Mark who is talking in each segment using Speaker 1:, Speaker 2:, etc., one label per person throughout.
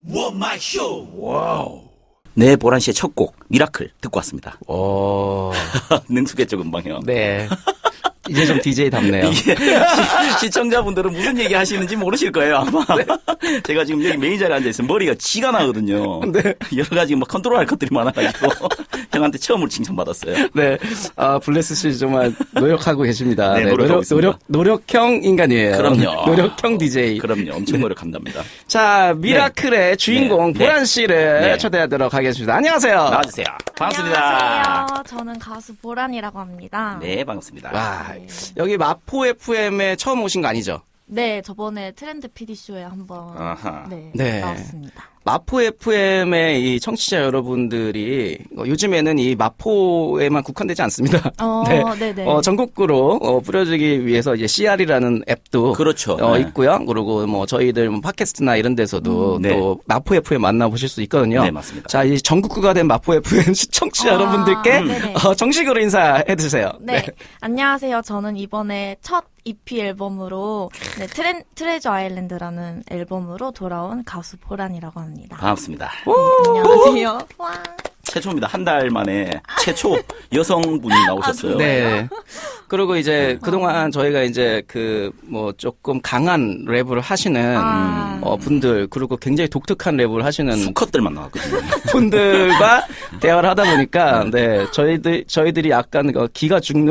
Speaker 1: 원마쇼. 와우. 네, 보란 씨의 첫 곡 미라클 듣고 왔습니다.
Speaker 2: 오.
Speaker 1: 능숙했죠, 금방요.
Speaker 2: 네. 이제 좀 DJ답네요.
Speaker 1: 이게 시청자분들은 무슨 얘기 하시는지 모르실 거예요, 아마. 네. 제가 지금 여기 메인 자리에 앉아있으면 머리가 쥐가 나거든요. 네. 여러 가지 막 컨트롤할 것들이 많아가지고 형한테 처음으로 칭찬받았어요.
Speaker 2: 네. 아, 블레스 씨 정말 노력하고 계십니다.
Speaker 1: 네, 노력하고
Speaker 2: 노력형 인간이에요.
Speaker 1: 그럼요.
Speaker 2: 노력형 DJ.
Speaker 1: 그럼요. 엄청 노력한답니다.
Speaker 2: 자, 미라클의 주인공
Speaker 1: 네.
Speaker 2: 보란 씨를 초대하도록 하겠습니다. 안녕하세요.
Speaker 1: 나와주세요. 반갑습니다.
Speaker 3: 안녕하세요. 저는 가수 보란이라고 합니다.
Speaker 1: 네, 반갑습니다.
Speaker 2: 와, 여기 마포 FM에 처음 오신 거 아니죠?
Speaker 3: 네, 저번에 트렌드 PD쇼에 한번
Speaker 2: 네.
Speaker 3: 나왔습니다.
Speaker 2: 마포 FM의 이 청취자 여러분들이 요즘에는 이 마포에만 국한되지 않습니다.
Speaker 3: 네네.
Speaker 2: 전국구로 뿌려주기 위해서 이제 CR이라는 앱도
Speaker 1: 그렇죠.
Speaker 2: 있고요. 그리고 뭐 저희들 뭐 팟캐스트나 이런 데서도 또 마포 FM 만나보실 수 있거든요.
Speaker 1: 네, 맞습니다.
Speaker 2: 자, 이 전국구가 된 마포 FM 시청자 여러분들께 정식으로 인사해 주세요.
Speaker 3: 네. 안녕하세요. 저는 이번에 첫 EP 앨범으로 트레저 아일랜드라는 앨범으로 돌아온 가수 보란이라고 합니다.
Speaker 1: 반갑습니다.
Speaker 3: 안녕하세요. 와.
Speaker 1: 최초입니다. 한 달 만에 최초 여성분이 나오셨어요.
Speaker 2: 네. 그리고 이제 그동안 저희가 이제 뭐 조금 강한 랩을 하시는 분들, 그리고 굉장히 독특한 랩을 하시는
Speaker 1: 수컷들만 나왔거든요.
Speaker 2: 분들과 대화를 하다 보니까 네, 저희들이 약간 기가 죽는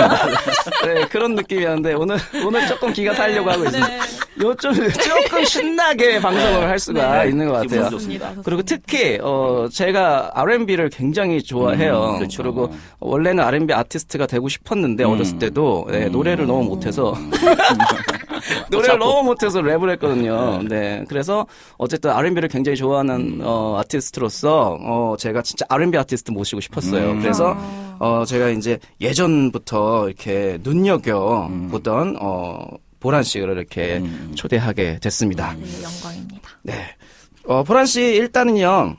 Speaker 2: 네, 그런 느낌이었는데 오늘 조금 기가 살려고 하고 있습니다. 조금 신나게 방송을 할 수가 있는 것 같아요.
Speaker 1: 기분 좋습니다.
Speaker 2: 그리고 특히 제가 R&B를 굉장히 좋아해요.
Speaker 1: 그렇죠.
Speaker 2: 그리고 원래는 R&B 아티스트가 되고 싶었는데 어렸을 때도 노래를 너무 못해서 노래를 너무 못해서 랩을 했거든요. 네, 그래서 어쨌든 R&B를 굉장히 좋아하는 아티스트로서 제가 진짜 R&B 아티스트 모시고 싶었어요. 그래서 제가 이제 예전부터 이렇게 눈여겨 보던 보란 씨를 이렇게 초대하게 됐습니다.
Speaker 3: 네, 영광입니다.
Speaker 2: 네, 보란 씨 일단은요,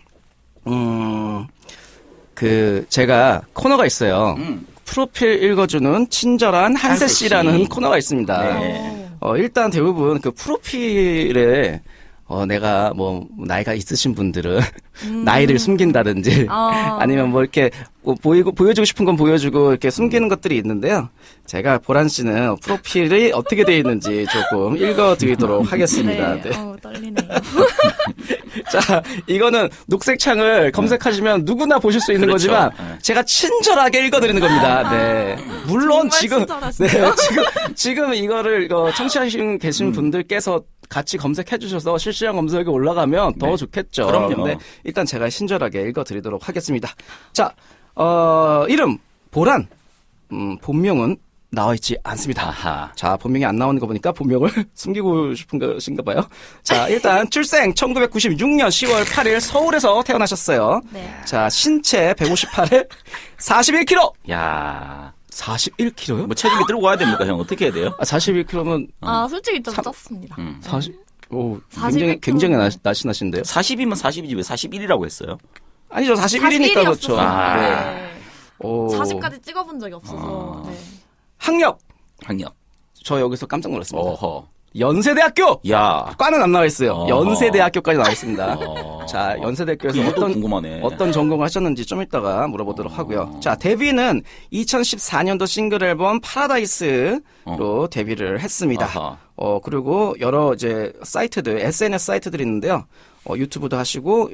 Speaker 2: 제가 코너가 있어요. 프로필 읽어주는 친절한 한세 씨라는 코너가 있습니다.
Speaker 1: 네.
Speaker 2: 일단 대부분 그 프로필에 내가 뭐 나이가 있으신 분들은 나이를 숨긴다든지 아니면 뭐 이렇게 보여주고 싶은 건 보여주고 이렇게 숨기는 것들이 있는데요. 제가 보란 씨는 프로필이 어떻게 되어 있는지 조금 읽어드리도록 하겠습니다.
Speaker 3: 네. 떨리네요.
Speaker 2: 자, 이거는 녹색 창을 검색하시면 누구나 보실 수 있는 거지만 제가 친절하게 읽어드리는 겁니다. 네. 물론 지금 이거를 청취하시는 계신 분들께서 같이 검색해 주셔서 실시간 검색에 올라가면 더 좋겠죠.
Speaker 1: 그럼요.
Speaker 2: 근데 일단 제가 친절하게 읽어드리도록 하겠습니다. 자, 이름 보란. 본명은 나와 있지 않습니다.
Speaker 1: 아하.
Speaker 2: 자, 본명이 안 나오는 거 보니까 본명을 숨기고 싶은 것인가 봐요. 자, 일단 출생 1996년 10월 8일 서울에서 태어나셨어요.
Speaker 3: 네.
Speaker 2: 자, 신체 158에 41kg.
Speaker 1: 야,
Speaker 2: 41kg요?
Speaker 1: 뭐 체중이 들고 가야 됩니까, 형? 어떻게 해야 돼요?
Speaker 2: 41kg면
Speaker 3: 솔직히 좀 쪘습니다.
Speaker 2: 41kg. 굉장히 날씬하신데요?
Speaker 1: 40이면 40이지 왜 41이라고 했어요?
Speaker 2: 아니죠, 41이니까 그렇죠.
Speaker 3: 네.
Speaker 2: 오.
Speaker 3: 40까지 찍어본 적이 없어서. 네.
Speaker 2: 학력.
Speaker 1: 학력.
Speaker 2: 저 여기서 깜짝 놀랐습니다.
Speaker 1: 어허.
Speaker 2: 연세대학교.
Speaker 1: 야.
Speaker 2: 과는 안 나와 있어요. 연세대학교까지 나와 있습니다.
Speaker 1: 자,
Speaker 2: 자, 연세대학교에서
Speaker 1: 궁금하네.
Speaker 2: 어떤 전공을 하셨는지 좀 이따가 물어보도록 하고요. 자, 데뷔는 2014년도 싱글 앨범 파라다이스로 데뷔를 했습니다.
Speaker 1: 아하.
Speaker 2: 그리고 여러 이제 사이트들, SNS 사이트들이 있는데요. 유튜브도 하시고,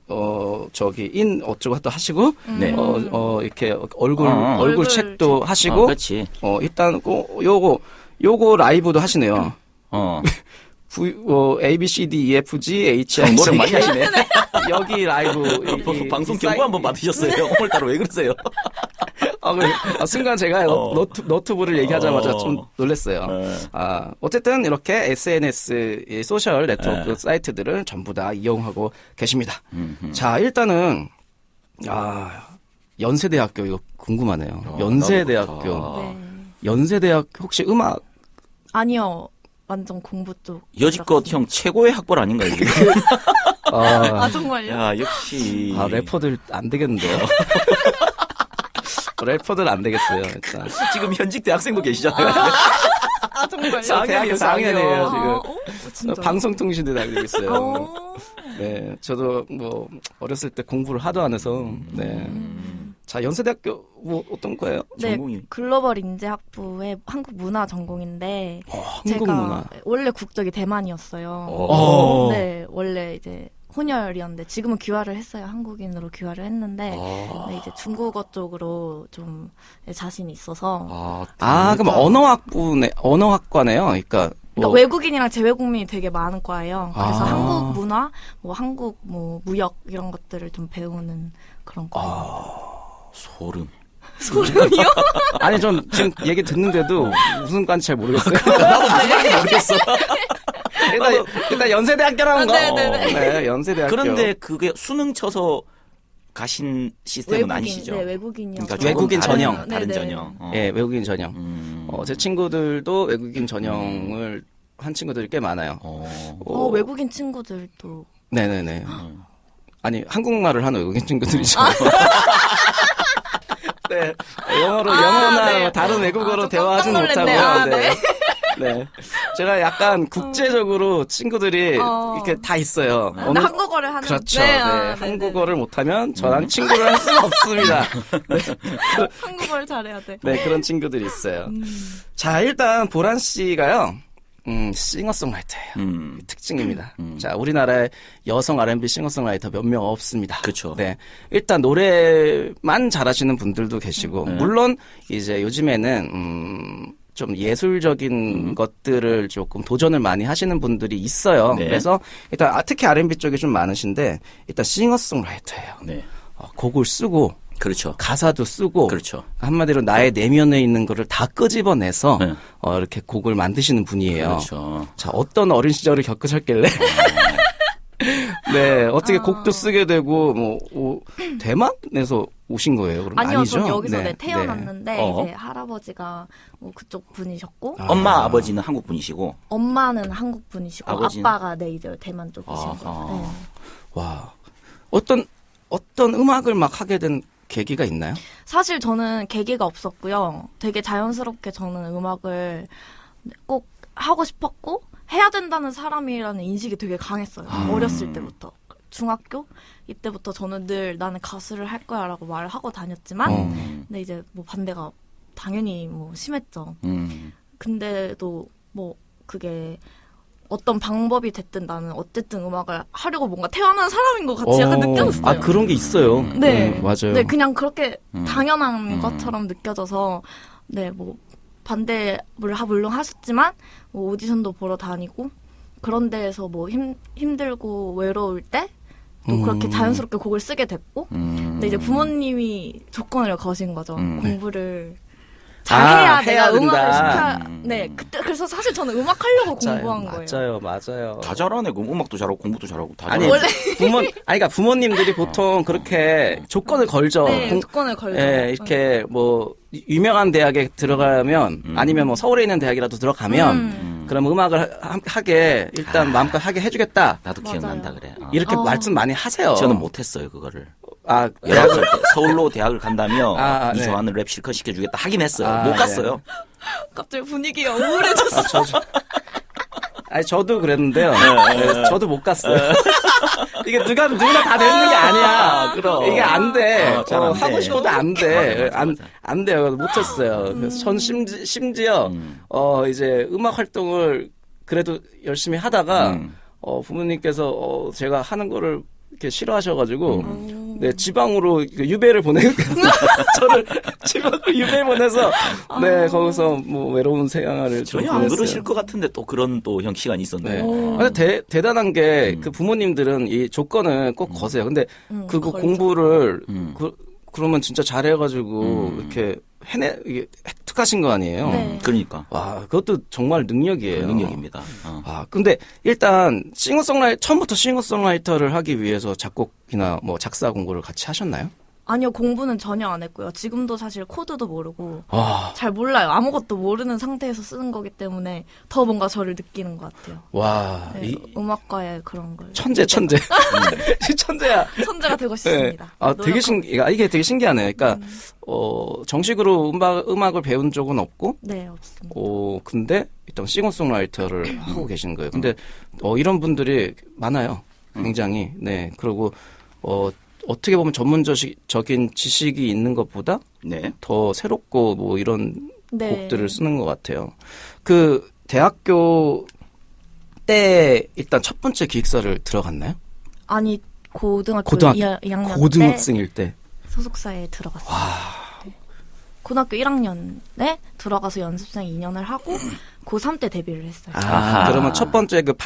Speaker 2: 어쩌고 또 하시고,
Speaker 1: 네.
Speaker 2: 이렇게 얼굴 책도 하시고,
Speaker 1: 그렇지.
Speaker 2: 일단, 요거 라이브도 하시네요. A, B, C, D, E, F, G, H, I, J.
Speaker 1: 노래 많이 하시네.
Speaker 2: 여기 라이브.
Speaker 1: 방송 경고 한번 받으셨어요. 오늘따라 왜 그러세요?
Speaker 2: 순간 제가 너튜브를 얘기하자마자 좀 놀랐어요. 어쨌든 이렇게 SNS, 소셜 네트워크 사이트들을 전부 다 이용하고 계십니다. 자, 일단은, 연세대학교 이거 궁금하네요. 연세대학교.
Speaker 3: 네.
Speaker 2: 연세대학 혹시 음악?
Speaker 3: 아니요. 완전 공부 쪽.
Speaker 1: 여지껏 형 최고의 학벌 아닌가요, 이게?
Speaker 3: 정말요?
Speaker 1: 야, 역시.
Speaker 2: 래퍼들 안 되겠는데요? 래퍼들 안 되겠어요, 일단.
Speaker 1: 지금 현직 대학생도 계시잖아요.
Speaker 3: 정말요?
Speaker 2: 대학교 4학년이에요, 지금.
Speaker 3: 진짜?
Speaker 2: 방송통신대 다니고 있어요. 네, 저도 뭐 어렸을 때 공부를 하도 안 해서 네. 자, 연세대학교 뭐 어떤 거예요?
Speaker 3: 네,
Speaker 1: 전공이
Speaker 3: 글로벌 인재학부의 한국 문화 전공인데
Speaker 2: 한국
Speaker 3: 제가
Speaker 2: 문화.
Speaker 3: 원래 국적이 대만이었어요.
Speaker 2: 어.
Speaker 3: 네, 원래 이제 혼혈이었는데 지금은 귀화를 했어요. 한국인으로 귀화를 했는데 네, 이제 중국어 쪽으로 좀 자신이 있어서
Speaker 2: 그럼 언어학과네요. 그러니까
Speaker 3: 그러니까 외국인이랑 재외국민이 되게 많은 과예요. 그래서
Speaker 2: 아.
Speaker 3: 한국 문화, 뭐 한국 뭐 무역 이런 것들을 좀 배우는 그런 과예요.
Speaker 1: 소름.
Speaker 3: 소름이요?
Speaker 2: 아니 전 지금 얘기 듣는데도 무슨 과인지 잘 모르겠어요.
Speaker 1: 나도 무슨 말인지 모르겠어.
Speaker 2: 일단 연세대학교라는 거.
Speaker 3: 네네네.
Speaker 2: 네, 연세대학교.
Speaker 1: 그런데 그게 수능 쳐서 가신 시스템은 아니시죠?
Speaker 3: 네, 외국인이요.
Speaker 1: 그러니까
Speaker 2: 외국인
Speaker 1: 조금
Speaker 2: 전형.
Speaker 1: 다른
Speaker 3: 네네.
Speaker 1: 전형.
Speaker 2: 예, 외국인 전형. 제 친구들도 외국인 전형을 한 친구들이 꽤 많아요.
Speaker 3: 외국인 친구들도
Speaker 2: 네네네. 아니, 한국말을 하는 외국인 친구들이죠. 네. 영어나
Speaker 3: 네.
Speaker 2: 뭐 다른 외국어로
Speaker 3: 좀
Speaker 2: 대화하지는
Speaker 3: 깜짝 놀랐네.
Speaker 2: 못하고요.
Speaker 3: 네.
Speaker 2: 네. 제가 약간 국제적으로 친구들이 이렇게 다 있어요.
Speaker 3: 근데 한국어를 하는
Speaker 2: 그렇죠.
Speaker 3: 네,
Speaker 2: 네.
Speaker 3: 네네.
Speaker 2: 한국어를 못하면 저랑 친구를 할 수가 없습니다.
Speaker 3: 한국어를 잘해야 돼.
Speaker 2: 네, 그런 친구들이 있어요. 자, 일단 보란 씨가요. 싱어송라이터예요. 특징입니다. 자, 우리나라에 여성 R&B 싱어송라이터 몇 명 없습니다.
Speaker 1: 그렇죠.
Speaker 2: 네. 일단 노래만 잘하시는 분들도 계시고 물론 이제 요즘에는 좀 예술적인 것들을 조금 도전을 많이 하시는 분들이 있어요.
Speaker 1: 네.
Speaker 2: 그래서 일단 특히 R&B 쪽이 좀 많으신데 일단 싱어송라이터예요.
Speaker 1: 네.
Speaker 2: 곡을 쓰고
Speaker 1: 그렇죠.
Speaker 2: 가사도 쓰고
Speaker 1: 그렇죠.
Speaker 2: 한마디로 나의 내면에 있는 거를 다 끄집어내서
Speaker 1: 네.
Speaker 2: 이렇게 곡을 만드시는 분이에요.
Speaker 1: 그렇죠.
Speaker 2: 자, 어떤 어린 시절을 겪으셨길래 네, 어떻게 곡도 쓰게 되고 대만에서 오신 거예요? 그럼
Speaker 3: 아니요,
Speaker 2: 아니죠?
Speaker 3: 전 여기서
Speaker 2: 네,
Speaker 3: 태어났는데
Speaker 1: 네.
Speaker 3: 이제 할아버지가 뭐 그쪽 분이셨고
Speaker 1: 엄마 아버지는 한국 분이시고
Speaker 3: 엄마는 한국 분이시고
Speaker 1: 아버지는?
Speaker 3: 아빠가 네 이제 대만 쪽이시고.
Speaker 1: 아하.
Speaker 3: 네.
Speaker 2: 와, 어떤 음악을 막 하게 된 계기가 있나요?
Speaker 3: 사실 저는 계기가 없었고요. 되게 자연스럽게 저는 음악을 꼭 하고 싶었고 해야 된다는 사람이라는 인식이 되게 강했어요. 어렸을 때부터. 중학교 이때부터 저는 늘 나는 가수를 할 거야라고 말을 하고 다녔지만 근데 이제 뭐 반대가 당연히 뭐 심했죠. 근데도 뭐 그게 어떤 방법이 됐든 나는 어쨌든 음악을 하려고 뭔가 태어난 사람인 것 같이 약간 느껴졌어요.
Speaker 2: 아, 그런 게 있어요.
Speaker 3: 네.
Speaker 2: 맞아요.
Speaker 3: 네, 그냥 그렇게 당연한 것처럼 느껴져서, 네, 뭐, 반대를 물론 하셨지만, 뭐, 오디션도 보러 다니고, 그런 데에서 뭐, 힘들고 외로울 때, 또 그렇게 자연스럽게 곡을 쓰게 됐고, 근데 이제 부모님이 조건을 거신 거죠. 공부를 잘해야
Speaker 2: 해야
Speaker 3: 내가 음악을
Speaker 2: 된다.
Speaker 3: 시켜, 네, 그때, 그래서 사실 저는 음악 하려고 공부한 거예요.
Speaker 2: 맞아요.
Speaker 1: 다 잘하네. 그럼 음악도 잘하고 공부도 잘하고 다
Speaker 2: 아니,
Speaker 1: 잘하네.
Speaker 2: 그러니까 부모님들이 보통 그렇게 조건을 걸죠.
Speaker 3: 네, 조건을 걸죠.
Speaker 2: 예, 이렇게 뭐 유명한 대학에 들어가면 아니면 뭐 서울에 있는 대학이라도 들어가면 그럼 음악을 하게 일단 마음껏 하게 해주겠다.
Speaker 1: 나도
Speaker 3: 맞아요.
Speaker 1: 기억난다 그래.
Speaker 2: 이렇게 말씀 많이 하세요.
Speaker 1: 저는 못했어요 그거를.
Speaker 2: 아,
Speaker 1: 19살 때 서울로 대학을 간다며 이
Speaker 2: 네.
Speaker 1: 좋아하는 랩 실컷 시켜주겠다 하긴 했어요.
Speaker 2: 아,
Speaker 1: 못
Speaker 2: 네.
Speaker 1: 갔어요.
Speaker 3: 갑자기 분위기가 우울해졌어.
Speaker 2: 아니 저도 그랬는데요. 네, 저도 못 갔어요. 이게 누구나 다 되는 게 아니야.
Speaker 1: 그럼.
Speaker 2: 이게 안 돼.
Speaker 1: 잘안
Speaker 2: 하고
Speaker 1: 돼.
Speaker 2: 싶어도 안 돼.
Speaker 1: 맞아.
Speaker 2: 안 돼요. 못했어요. 그래서 전 심지어 이제 음악 활동을 그래도 열심히 하다가 부모님께서 제가 하는 거를 이렇게 싫어하셔가지고 네 지방으로 유배를 보내고 저를 지방으로 유배 보내서 네 거기서 뭐 외로운 생활을 좀
Speaker 1: 전혀 안
Speaker 2: 보냈어요.
Speaker 1: 그러실 것 같은데 또 그런 또 형 시간이 있었네요.
Speaker 2: 네. 근데 대단한 게 그 부모님들은 이 조건을 꼭 거세요. 근데 그거
Speaker 3: 걸죠.
Speaker 2: 공부를 그러면 진짜 잘해가지고 이렇게 이게 획득하신 거 아니에요?
Speaker 3: 네.
Speaker 1: 그러니까
Speaker 2: 와, 그것도 정말 능력이에요.
Speaker 1: 능력입니다.
Speaker 2: 아, 근데 일단 처음부터 싱어송라이터를 하기 위해서 작곡이나 뭐 작사 공부를 같이 하셨나요?
Speaker 3: 아니요, 공부는 전혀 안 했고요. 지금도 사실 코드도 모르고
Speaker 2: 와,
Speaker 3: 잘 몰라요. 아무것도 모르는 상태에서 쓰는 거기 때문에 더 뭔가 저를 느끼는 것 같아요.
Speaker 2: 와,
Speaker 3: 네, 음악과의 그런 걸.
Speaker 2: 천재. 천재야.
Speaker 3: 천재가 되고
Speaker 2: 네.
Speaker 3: 싶습니다.
Speaker 2: 아, 되게 이게 되게 신기하네요. 그러니까, 정식으로 음악을 배운 적은 없고,
Speaker 3: 네, 없습니다.
Speaker 2: 근데 일단 싱어송라이터를 하고 계신 거예요. 근데, 이런 분들이 많아요. 굉장히. 네. 그리고 어떻게 보면 전문적인 지식이 있는 것보다
Speaker 1: 네.
Speaker 2: 더 새롭고 뭐 이런
Speaker 3: 네.
Speaker 2: 곡들을 쓰는 것 같아요. 그 대학교 때 일단 첫 번째 기획사를 들어갔나요?
Speaker 3: 아니 고등학교
Speaker 2: 고등학교
Speaker 3: 2학년
Speaker 2: 고등학생일 때.
Speaker 3: 때 소속사에 들어갔어요. 네. 고등학교 1학년에 들어가서 연습생 2년을 하고 고3 때 데뷔를 했어요.
Speaker 1: 아하.
Speaker 2: 그러면 첫 번째 그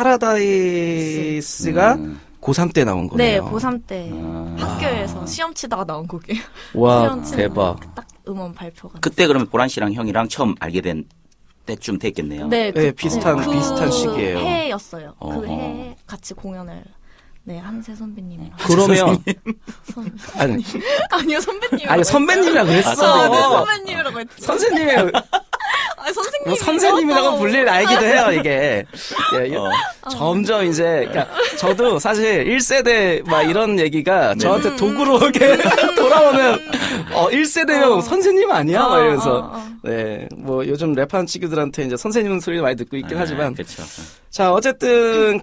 Speaker 2: 파라다이스가 고3 때 나온
Speaker 3: 네,
Speaker 2: 거네요.
Speaker 3: 고3 때 학교에서 시험 치다가 나온 곡이에요.
Speaker 2: 와,
Speaker 3: 시험 치는
Speaker 2: 대박.
Speaker 3: 딱 음원 발표가.
Speaker 1: 그때 그러면 보란 씨랑 형이랑 처음 알게 된 때쯤 됐겠네요.
Speaker 3: 네,
Speaker 2: 네, 비슷한 시기예요.
Speaker 3: 해였어요. 그
Speaker 1: 어허.
Speaker 3: 해에 같이 공연을 네, 한세 선배님이랑.
Speaker 2: 그러면 아니,
Speaker 3: 아니요, 선배님.
Speaker 2: 아니 선배님이라고 했어.
Speaker 3: 네, 선배님이라고 했죠.
Speaker 2: 선생님이
Speaker 3: 아니, 선생님.
Speaker 2: 뭐 선생님이라고 불릴 나이기도 해요, 이게. 예, 점점 이제, 그러니까 저도 사실 1세대 막 이런 얘기가 저한테 도구로 이렇게 돌아오는, 1세대면 선생님 아니야? 막 이러면서. 네, 뭐 요즘 랩하는 친구들한테 이제 선생님 소리 많이 듣고 있긴 하지만.
Speaker 1: 그렇죠.
Speaker 2: 자, 어쨌든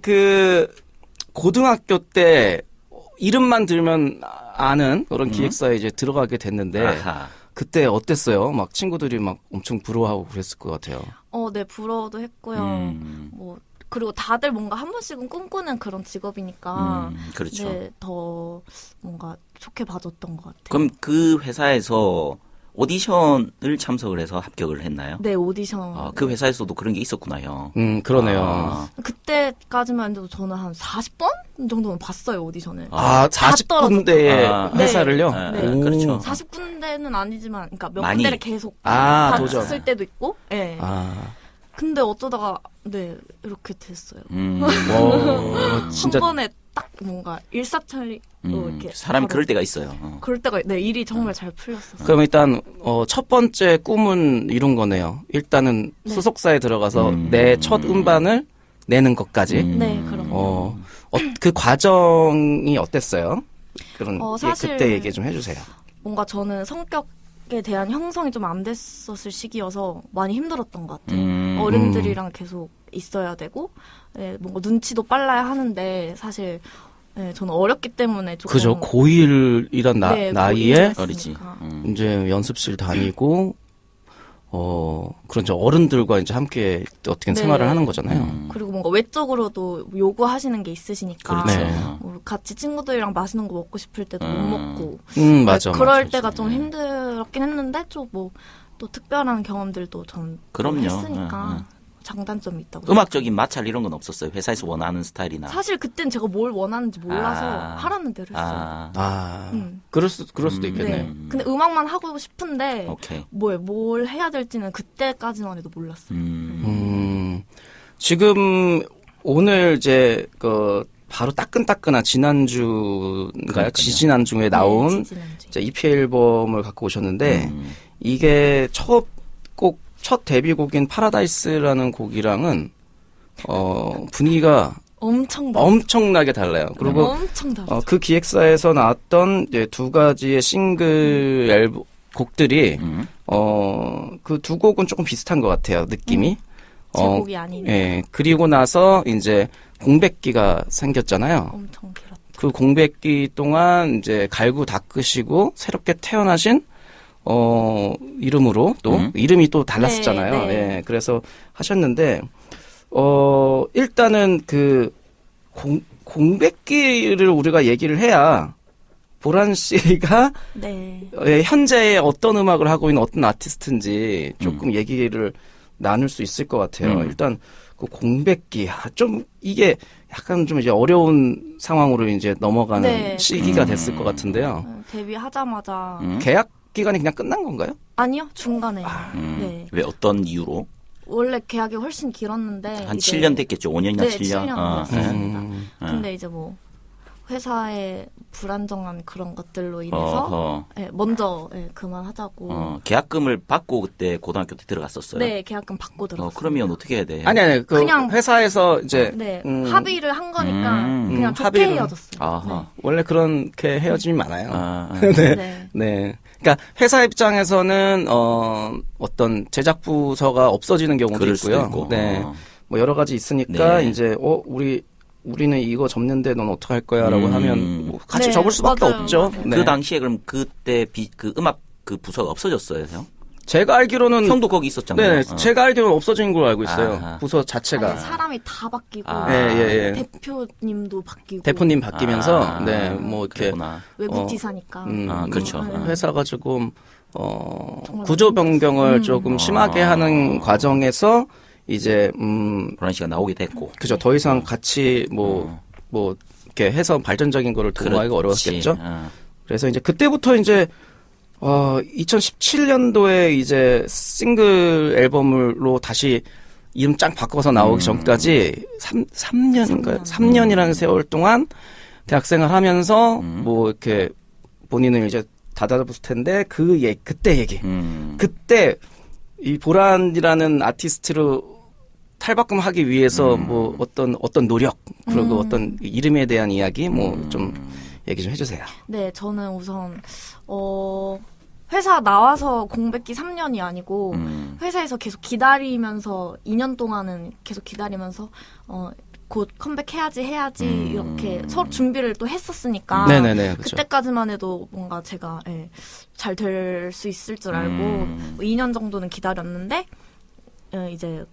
Speaker 2: 고등학교 때 이름만 들면 아는 그런 기획사에 이제 들어가게 됐는데,
Speaker 1: 아하.
Speaker 2: 그때 어땠어요? 막 친구들이 막 엄청 부러워하고 그랬을 것 같아요.
Speaker 3: 네, 부러워도 했고요. 뭐, 그리고 다들 뭔가 한 번씩은 꿈꾸는 그런 직업이니까.
Speaker 1: 그렇죠.
Speaker 3: 네, 더 뭔가 좋게 봐줬던 것 같아요.
Speaker 1: 그럼 그 회사에서 오디션을 참석을 해서 합격을 했나요?
Speaker 3: 네, 오디션.
Speaker 1: 그 회사에서도 그런 게 있었구나요.
Speaker 2: 그러네요.
Speaker 1: 아,
Speaker 3: 그때까지만 해도 저는 한 40번 정도는 봤어요, 오디션을.
Speaker 2: 40군데의
Speaker 3: 네.
Speaker 2: 회사를요?
Speaker 3: 네.
Speaker 2: 오.
Speaker 1: 그렇죠.
Speaker 3: 40군데는 아니지만, 그러니까 몇
Speaker 1: 많이.
Speaker 3: 군데를 계속
Speaker 2: 도전.
Speaker 3: 봤을 때도 있고, 네. 근데 어쩌다가, 네, 이렇게 됐어요.
Speaker 2: 진짜.
Speaker 3: 한 번에 딱 뭔가 일사천리로 이렇게.
Speaker 1: 사람이
Speaker 3: 바로
Speaker 1: 그럴 때가 있어요.
Speaker 3: 그럴 때가, 네, 일이 정말 잘 풀렸었어요.
Speaker 2: 그럼 일단 첫 번째 꿈은 이룬 거네요. 일단은
Speaker 3: 네.
Speaker 2: 소속사에 들어가서 내 첫 음반을 내는 것까지.
Speaker 3: 네, 그럼요.
Speaker 2: 그 과정이 어땠어요? 그런
Speaker 3: 사실
Speaker 2: 그때 얘기 좀 해주세요.
Speaker 3: 뭔가 저는 성격에 대한 형성이 좀 안 됐었을 시기여서 많이 힘들었던 것 같아요. 어른들이랑 계속 있어야 되고, 네, 뭔가 눈치도 빨라야 하는데, 사실, 네, 저는 어렸기 때문에 조금.
Speaker 2: 그죠. 고1이란
Speaker 3: 네,
Speaker 2: 나이에
Speaker 3: 고1이었으니까.
Speaker 1: 어리지.
Speaker 2: 이제 연습실 다니고, 그런 어른들과 이제 함께 어떻게
Speaker 3: 네.
Speaker 2: 생활을 하는 거잖아요.
Speaker 3: 그리고 뭔가 외적으로도 요구하시는 게 있으시니까.
Speaker 1: 그렇죠.
Speaker 2: 네.
Speaker 3: 뭐 같이 친구들이랑 맛있는 거 먹고 싶을 때도 못 먹고.
Speaker 2: 맞아.
Speaker 3: 그럴
Speaker 2: 맞아.
Speaker 3: 때가 좀 힘들었긴 했는데, 좀 뭐, 또 특별한 경험들도 전
Speaker 1: 그럼요.
Speaker 3: 했으니까. 장단점이 있다고.
Speaker 1: 음악적인 마찰 이런 건 없었어요. 회사에서 원하는 스타일이나.
Speaker 3: 사실 그땐 제가 뭘 원하는지 몰라서 하라는 대로 했어요.
Speaker 2: 그럴 수도 있겠네요.
Speaker 3: 네. 근데 음악만 하고 싶은데
Speaker 1: 오케이.
Speaker 3: 뭘 해야 될지는 그때까지만 해도 몰랐어요.
Speaker 2: 지금 오늘 이제 바로 따끈따끈한 지난주인가요?
Speaker 1: 그러니까요.
Speaker 2: 지지난주에 나온
Speaker 3: 네, 지지난주에.
Speaker 2: 이제 EP 앨범을 갖고 오셨는데 이게 첫 데뷔곡인 파라다이스라는 곡이랑은 분위기가 엄청나게 달라요. 그리고
Speaker 3: 엄청 다르죠.
Speaker 2: 그 기획사에서 나왔던 이제 두 가지의 싱글 앨범 곡들이 그 두 곡은 조금 비슷한 것 같아요. 느낌이.
Speaker 3: 제 곡이 아니네.
Speaker 2: 예. 그리고 나서 이제 공백기가 생겼잖아요.
Speaker 3: 엄청 길었죠.
Speaker 2: 그 공백기 동안 이제 갈고 닦으시고 새롭게 태어나신 이름으로 또 이름이 또 달랐었잖아요.
Speaker 3: 네, 네.
Speaker 2: 예. 그래서 하셨는데 일단은 그 공백기를 우리가 얘기를 해야 보란 씨가
Speaker 3: 네.
Speaker 2: 현재 어떤 음악을 하고 있는 어떤 아티스트인지 조금 얘기를 나눌 수 있을 것 같아요. 일단 그 공백기 좀 이게 약간 좀 이제 어려운 상황으로 이제 넘어가는
Speaker 3: 네.
Speaker 2: 시기가 됐을 것 같은데요.
Speaker 3: 데뷔하자마자
Speaker 2: 계약 기간이 그냥 끝난 건가요?
Speaker 3: 아니요, 중간에. 네.
Speaker 1: 왜 어떤 이유로?
Speaker 3: 원래 계약이 훨씬 길었는데
Speaker 1: 한
Speaker 3: 이제
Speaker 1: 7년 됐겠죠. 5년이나
Speaker 3: 네,
Speaker 1: 7년.
Speaker 3: 7년 됐습니다.
Speaker 2: 음.
Speaker 3: 근데 이제 뭐 회사의 불안정한 그런 것들로 인해서
Speaker 1: 어허.
Speaker 3: 네, 먼저 그만하자고.
Speaker 1: 계약금을 받고 그때 고등학교 때 들어갔었어요.
Speaker 3: 네, 계약금 받고 들어갔어요.
Speaker 1: 그러면 어떻게 해야 돼?
Speaker 2: 아니
Speaker 3: 그냥-
Speaker 2: 회사에서 이제
Speaker 3: 네, 합의를 한 거니까 그냥 좋게
Speaker 2: 합의를-
Speaker 3: 헤어졌어요.
Speaker 1: 아하.
Speaker 2: 원래 그렇게 헤어짐이 많아요.
Speaker 3: 네. 네.
Speaker 2: 네. 그러니까 회사 입장에서는 어떤 제작 부서가 없어지는 경우도
Speaker 1: 그럴 수도
Speaker 2: 있고요.
Speaker 1: 있고.
Speaker 2: 네. 뭐 여러 가지 있으니까
Speaker 1: 네.
Speaker 2: 이제 우리 우리는 이거 접는데 넌 어떡할 거야 라고 하면 뭐 같이
Speaker 3: 네,
Speaker 2: 접을 수밖에
Speaker 3: 맞아요.
Speaker 2: 없죠. 네.
Speaker 1: 그 당시에 그럼 그때 그 음악 그 부서가 없어졌어요, 형?
Speaker 2: 제가 알기로는
Speaker 1: 형도 거기 있었잖아요.
Speaker 2: 네, 제가 알기로는 없어진 걸로 알고 있어요.
Speaker 1: 아하.
Speaker 2: 부서 자체가.
Speaker 3: 아니, 사람이 다 바뀌고
Speaker 2: 예.
Speaker 3: 대표님도 바뀌고
Speaker 2: 대표님 바뀌면서 네, 뭐 이렇게
Speaker 1: 그랬구나.
Speaker 3: 외국 지사니까
Speaker 1: 그렇죠.
Speaker 2: 회사가 조금 구조 변경을 조금 심하게 하는 과정에서 이제
Speaker 1: 보란 씨가 나오게 됐고.
Speaker 2: 그죠. 더 이상 같이 뭐 이렇게 해서 발전적인 거를 도모하기가 어려웠겠죠. 그래서 이제 그때부터 이제 2017년도에 이제 싱글 앨범으로 다시 이름 쫙 바꿔서 나오기 전까지 3년인가요? 3년이라는 세월 동안 대학생활 하면서 뭐 이렇게 본인을 이제 다잡았을 텐데 그때 얘기. 그때 이 보란이라는 아티스트로 탈바꿈하기 위해서 뭐 어떤 노력 그리고 어떤 이름에 대한 이야기 뭐 좀 얘기 좀 해주세요.
Speaker 3: 네, 저는 우선 회사 나와서 공백기 3년이 아니고 회사에서 계속 기다리면서 2년 동안은 계속 기다리면서 곧 컴백해야지 이렇게 서로 준비를 또 했었으니까
Speaker 2: 네네네, 그쵸.
Speaker 3: 그때까지만 해도 뭔가 제가 잘 될 수 있을 줄 알고 뭐 2년 정도는 기다렸는데 이제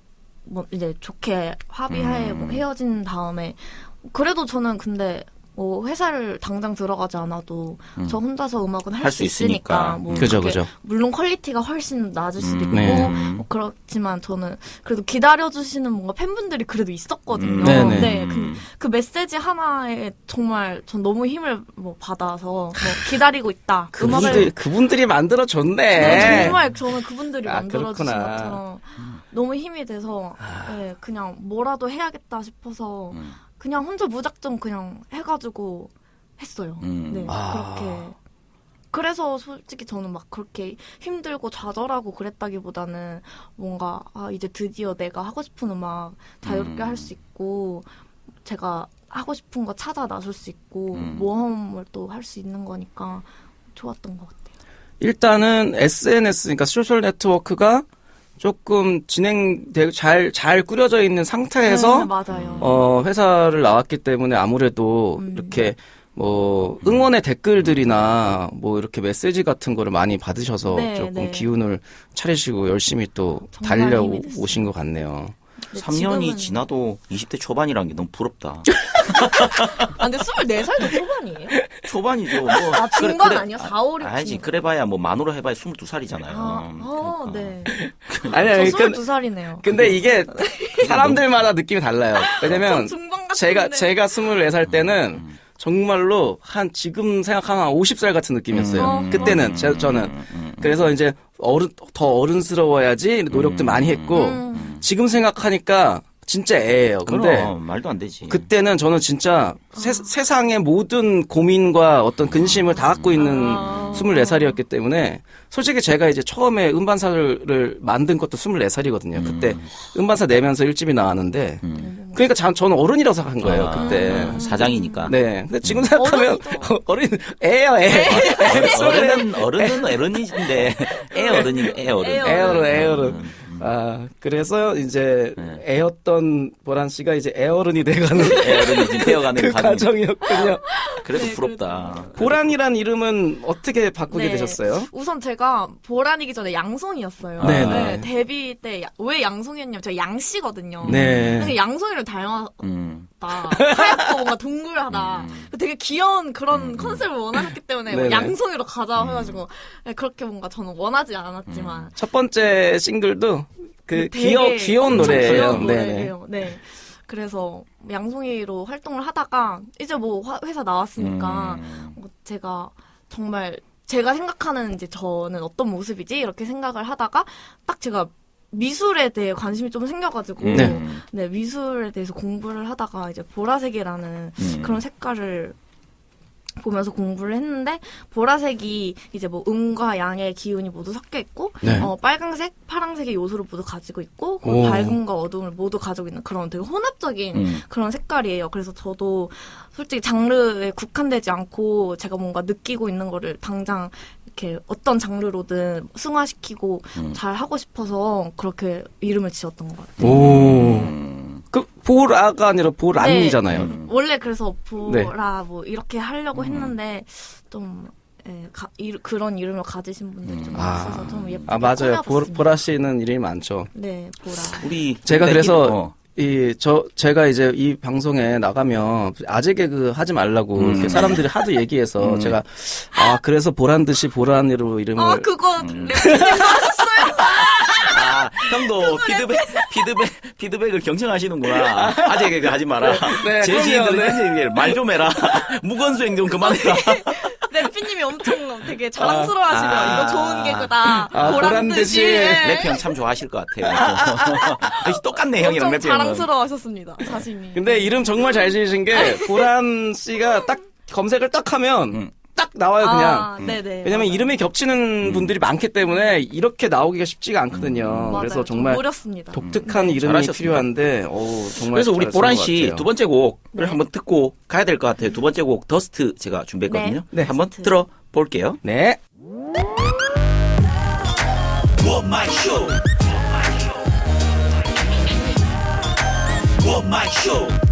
Speaker 3: 좋게 합의하에 뭐 헤어진 다음에 그래도 저는 근데 뭐 회사를 당장 들어가지 않아도 저 혼자서 음악은 할 수 있으니까 뭐
Speaker 2: 그죠.
Speaker 3: 물론 퀄리티가 훨씬 낮을 수도 있고
Speaker 2: 네.
Speaker 3: 뭐 그렇지만 저는 그래도 기다려주시는 뭔가 팬분들이 그래도 있었거든요.
Speaker 2: 네네.
Speaker 3: 네, 그 메시지 하나에 정말 전 너무 힘을 뭐 받아서 뭐 기다리고 있다.
Speaker 2: 그분들이 만들어줬네.
Speaker 3: 네, 정말 저는 그분들이 만들어주신
Speaker 2: 그렇구나.
Speaker 3: 것처럼 너무 힘이 돼서 네, 그냥 뭐라도 해야겠다 싶어서 그냥 혼자 무작정 그냥 해가지고 했어요. 네, 그렇게. 그래서 솔직히 저는 막 그렇게 힘들고 좌절하고 그랬다기보다는 뭔가 이제 드디어 내가 하고 싶은 음악 자유롭게 할 수 있고 제가 하고 싶은 거 찾아 나설 수 있고 모험을 또 할 수 있는 거니까 좋았던 것 같아요.
Speaker 2: 일단은 SNS, 그러니까 소셜 네트워크가 조금 잘 꾸려져 있는 상태에서
Speaker 3: 네, 맞아요.
Speaker 2: 회사를 나왔기 때문에 아무래도 이렇게 뭐 응원의 댓글들이나 뭐 이렇게 메시지 같은 거를 많이 받으셔서
Speaker 3: 네,
Speaker 2: 조금
Speaker 3: 네.
Speaker 2: 기운을 차리시고 열심히 또
Speaker 3: 정말 힘이 됐어요.
Speaker 2: 달려오신 것 같네요.
Speaker 1: 3년이
Speaker 3: 지금은-
Speaker 1: 지나도 20대 초반이라는 게 너무 부럽다.
Speaker 3: 근데 24살도 초반이에요?
Speaker 1: 초반이죠. 뭐.
Speaker 3: 중반 아니야? 4, 5, 6
Speaker 1: 알지.
Speaker 3: 중반.
Speaker 1: 그래봐야 뭐 만으로 해봐야 22살이잖아요.
Speaker 3: 네.
Speaker 2: 아니야,
Speaker 3: 저 22살이네요.
Speaker 2: 근데 이게 사람들마다 느낌이 달라요. 왜냐면
Speaker 3: 중반 같은데.
Speaker 2: 제가 24살 때는 정말로 지금 생각하면 한 50살 같은 느낌이었어요. 그때는 저는. 그래서 이제 더 어른스러워야지 노력도 많이 했고 지금 생각하니까 진짜 애예요. 근데
Speaker 1: 그럼 말도 안 되지.
Speaker 2: 그때는 저는 진짜 세상의 모든 고민과 어떤 근심을 다 갖고 있는 24살이었기 때문에 솔직히 제가 이제 처음에 음반사를 만든 것도 24살이거든요. 그때 음반사 내면서 1집이 나왔는데 그러니까 저는 어른이라고 생각한 거예요. 그때.
Speaker 1: 사장이니까.
Speaker 2: 네. 근데 지금 생각하면 애예요, 애.
Speaker 1: 어른은 어른인데 애 어른이 애 어른.
Speaker 2: 애어른. 그래서 이제 애였던 보란 씨가 이제 애어른이 돼가는
Speaker 1: 애 어른이 지금 되어가는
Speaker 2: 그
Speaker 1: 과정.
Speaker 2: 과정이었군요.
Speaker 1: 그래도
Speaker 3: 네,
Speaker 1: 부럽다.
Speaker 2: 보란이란 이름은 어떻게 바꾸게
Speaker 3: 네.
Speaker 2: 되셨어요?
Speaker 3: 우선 제가 보란이기 전에 양송이었어요.
Speaker 2: 네,
Speaker 3: 네,
Speaker 2: 네.
Speaker 3: 데뷔 때 왜 양송이었냐면 제가 양씨거든요.
Speaker 2: 네.
Speaker 3: 근데 양송이를 닮았다.
Speaker 1: 음.
Speaker 3: 하얗고 뭔가 동글하다. 되게 귀여운 그런 컨셉을 원하셨기 때문에 뭐
Speaker 2: 네네.
Speaker 3: 양송이로 가자 해가지고 네, 그렇게 뭔가 저는 원하지 않았지만
Speaker 2: 첫 번째 싱글도 그
Speaker 3: 되게
Speaker 2: 귀여운
Speaker 3: 엄청
Speaker 2: 노래예요.
Speaker 3: 귀여운
Speaker 2: 네네.
Speaker 3: 노래예요. 네. 그래서 양송이로 활동을 하다가 이제 뭐 회사 나왔으니까 뭐 제가 정말 제가 생각하는 이제 저는 어떤 모습이지 이렇게 생각을 하다가 딱 제가 미술에 대해 관심이 좀 생겨가지고
Speaker 2: 네.
Speaker 3: 네, 미술에 대해서 공부를 하다가 이제 보라색이라는 그런 색깔을 보면서 공부를 했는데 보라색이 이제 뭐 음과 양의 기운이 모두 섞여 있고
Speaker 2: 네.
Speaker 3: 빨강색, 파랑색의 요소를 모두 가지고 있고
Speaker 2: 오.
Speaker 3: 밝음과 어두움을 모두 가지고 있는 그런 되게 혼합적인 그런 색깔이에요. 그래서 저도 솔직히 장르에 국한되지 않고 제가 뭔가 느끼고 있는 거를 당장 이렇게 어떤 장르로든 승화시키고 잘 하고 싶어서 그렇게 이름을 지었던 것 같아요.
Speaker 2: 오. 그 보라가 아니라 보란이잖아요.
Speaker 3: 네. 원래 그래서
Speaker 2: 네.
Speaker 3: 보라 뭐 이렇게 하려고 했는데 좀 그런 이름을 가지신 분들이 좀 있어서 좀 예쁘게
Speaker 2: 맞아요.
Speaker 3: 꾸며봤습니다.
Speaker 2: 보라 씨는 이름이 많죠.
Speaker 3: 네, 보라.
Speaker 1: 우리
Speaker 2: 제가 그래서
Speaker 1: 어.
Speaker 2: 제가 이제 이 방송에 나가면 아재 개그 하지 말라고 이렇게 사람들이 하도 얘기해서 제가 그래서 보란 듯이 보란으로 이름을
Speaker 3: 그거 랩님 하셨어요?
Speaker 1: 형도 피드백을 경청하시는구나. 아재 개그 하지 마라.
Speaker 2: 네,
Speaker 1: 제지인들 말 좀 해라. 무건수행 좀 그만해라.
Speaker 3: 래피님이 엄청 되게 자랑스러워하시면 이거 좋은 개그다. 보란 듯이.
Speaker 1: 래피 형 참 좋아하실 것 같아요. 역시 똑같네 형이랑
Speaker 3: 엄청
Speaker 1: 래피 형은.
Speaker 3: 자랑스러워하셨습니다. 자신이.
Speaker 2: 근데 이름 정말 잘 지으신 게 보란 씨가 딱 검색을 딱 하면 딱 나와요 그냥.
Speaker 3: 네네.
Speaker 2: 왜냐면
Speaker 3: 맞아요.
Speaker 2: 이름이 겹치는 분들이 많기 때문에 이렇게 나오기가 쉽지가 않거든요.
Speaker 3: 맞아요.
Speaker 2: 그래서
Speaker 3: 좀
Speaker 2: 정말
Speaker 3: 노렸습니다.
Speaker 2: 독특한 이름이
Speaker 1: 잘하셨습니다.
Speaker 2: 필요한데 정말
Speaker 1: 그래서 우리
Speaker 2: 잘
Speaker 1: 보란
Speaker 2: 쓴 것
Speaker 1: 씨
Speaker 2: 같아요.
Speaker 1: 두 번째 곡을
Speaker 3: 네.
Speaker 1: 한번 듣고 가야 될 것 같아요. 두 번째 곡 더스트 제가 준비했거든요.
Speaker 2: 네.
Speaker 1: 한번
Speaker 3: 더스트.
Speaker 1: 들어볼게요.
Speaker 2: 네.
Speaker 4: What my show? What my show?